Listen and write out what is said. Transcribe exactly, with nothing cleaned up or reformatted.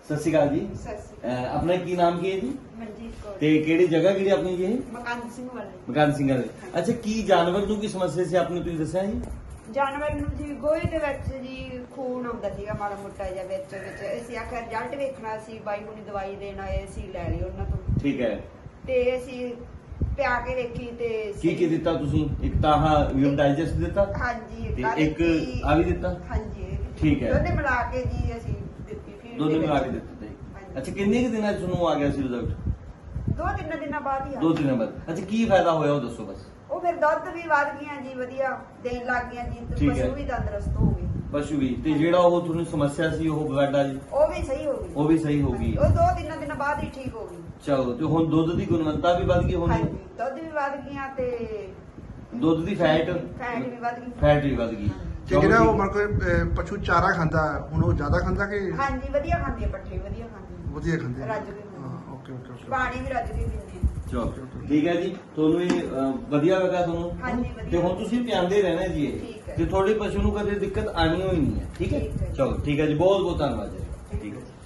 ਸਤਿ ਸ਼੍ਰੀ ਅਕਾਲ ਜੀ। ਸਤਿ ਸ਼੍ਰੀ ਅਹ ਆਪਣਾ ਕੀ ਨਾਮ ਕੀ ਹੈ ਜੀ ਅਕਾਲ ਮਨਜੀਤ ਕੌਰ ਤੇ ਕਿਹੜੀ ਜਗ੍ਹਾ ਕਿਹੜੀ ਆਪਣੀ ਜੀ ਇਹ? ਮਕਾਨ ਸਿੰਘ ਵਾਲੇ ਮਕਾਨ ਸਿੰਘ ਵਾਲੇ। ਅੱਛਾ, ਕੀ ਜਾਨਵਰ ਨੂੰ ਕੀ ਸਮੱਸਿਆ ਸੀ ਆਪਣੀ, ਤੁਸੀਂ ਦੱਸਿਆ ਜੀ? ਜਾਨਵਰ ਨੂੰ ਜੀ ਗੋਹੇ ਦੇ ਵਿੱਚ ਜੀ ਖੂਨ ਆਉਂਦਾ ਸੀਗਾ ਮਾੜਾ ਮੋਟਾ ਜਿਹਾ ਵਿੱਚ ਵਿੱਚ ਅਸੀਂ ਆਖਿਆ ਰਿਜ਼ਲਟ ਵੇਖਣਾ ਸੀ, ਬਾਈ ਹੁਣੀ ਦਵਾਈ ਦੇਣ ਆਏ ਸੀ, ਲੈ ਲਈ ਉਹਨਾਂ ਤੋਂ ਠੀਕ ਹੈ। ਤੇ ਅਸੀਂ ਪਿਆ ਕੇ ਵੇਖੀ ਤੇ ਕੀ ਕੀ ਦਿੱਤਾ ਤੁਸੀਂ? ਇੱਕ ਤਾਂ ਆਹ ਯੂਮ ਡਾਈਜੈਸਟ ਦਿੱਤਾ ਹਾਂਜੀ ਤੇ ਆਹ ਇੱਕ ਦਿੱਤੀ। ਆ ਵੀ ਦਿੱਤਾ? ਹਾਂਜੀ ਇਹ ਵੀ। ਠੀਕ ਹੈ। ਦੋਨੇ ਮਿਲਾ ਕੇ ਜੀ ਅਸੀਂ ਦਿੱਤੀ ਫੀਡ ਦੋਨੇ ਦੇ ਮਿਲਾ ਕੇ ਵਿੱਚ। ਦਿੱਤੇ ਜੀ। ਹਾਂਜੀ। ਅੱਛਾ, ਕਿੰਨੇ ਕੁ ਦਿਨਾਂ 'ਚ ਤੁਹਾਨੂੰ ਆ ਗਿਆ ਸੀ ਰਿਜ਼ਲਟ? ਦੋ ਤਿੰਨ ਦਿਨਾਂ ਬਾਅਦ ਹੀ ਆ ਦੋ ਦਿਨਾਂ ਬਾਅਦ। ਅੱਛਾ, ਕੀ ਫਾਇਦਾ ਹੋਇਆ ਉਹ ਦੱਸੋ ਬਸ। ਉਹ ਫਿਰ ਦੁੱਧ ਵੀ ਵੱਧ ਗਈਆਂ ਜੀ, ਵਧੀਆ ਦੇਣ ਲੱਗ ਗਈਆਂ ਜੀ, ਤੇ ਠੀਕ ਹੈ। ਪਸ਼ੂ ਵੀ ਤੰਦਰੁਸਤ ਹੋ ਗਏ। ਪਸ਼ੂ ਵੀ, ਤੇ ਜਿਹੜਾ ਉਹ ਤੁਹਾਨੂੰ ਸਮੱਸਿਆ ਸੀ ਉਹ ਬਲੱਡ ਵਾਲੀ, ਉਹ ਵੀ ਸਹੀ ਹੋ ਗਈ। ਉਹ ਵੀ ਸਹੀ ਹੋ ਗਈ। ਉਹ ਦੋ ਤਿੰਨ ਦਿਨਾਂ ਬਾਅਦ ਹੀ ਠੀਕ ਹੋ ਗਈ। ਚਲੋ, ਤੇ ਹੁਣ ਦੁੱਧ ਦੀ ਗੁਣਵੱਤਾ ਵੀ ਵੱਧ ਗਈ ਹੋਣੀ? ਹਾਂਜੀ ਦੁੱਧ ਵੀ ਵੱਧ ਗਈਆਂ ਤੇ ਦੁੱਧ ਦੀ ਫੈਟ ਫੈਟ ਵੀ ਵੱਧ ਗਈ। ਫੈਟ ਵੀ ਵੱਧ ਗਈ। ਤੇ ਜਿਹੜਾ ਉਹ ਮਤਲਬ ਕਿ ਪਸ਼ੂ ਚਾਰਾ ਖਾਂਦਾ ਹੁਣ ਉਹ ਜ਼ਿਆਦਾ ਖਾਂਦਾ ਕਿ ਹਾਂਜੀ ਵਧੀਆ ਖਾਂਦੀ ਹੈ, ਪੱਠੇ ਵਧੀਆ ਖਾਂਦੀ ਹੈ। ਵਧੀਆ ਖਾਂਦੇ ਰੱਜ ਕੇ ਖਾਂਦੀ ਹਾਂ ਹੈ। ਓਕੇ ਓਕੇ ਓਕੇ ਪਾਣੀ ਵੀ ਰੱਜ ਕੇ ਪੀਂਦੇ ਆ। ਚਲੋ ਠੀਕ ਹੈ ਜੀ, ਤੁਹਾਨੂੰ ਇਹ ਅਹ, ਵਧੀਆ ਲੱਗਾ ਤੁਹਾਨੂੰ? ਹਾਂਜੀ, ਵਧੀਆ। ਤੇ ਹੁਣ ਤੁਸੀਂ ਪਿਆਂਦੇ ਰਹਿਣਾ ਜੀ ਇਹ, ਠੀਕ ਹੈ। ਤੇ ਤੁਹਾਡੇ ਪਸ਼ੂ ਨੂੰ ਕਦੇ ਦਿੱਕਤ ਆਣੀ ਹੋਈ ਨਹੀਂ ਹੈ। ਠੀਕ ਹੈ, ਠੀਕ ਹੈ। ਚਲੋ ਠੀਕ ਹੈ ਜੀ, ਬਹੁਤ ਬਹੁਤ ਧੰਨਵਾਦ ਜੀ। ਠੀਕ ਹੈ।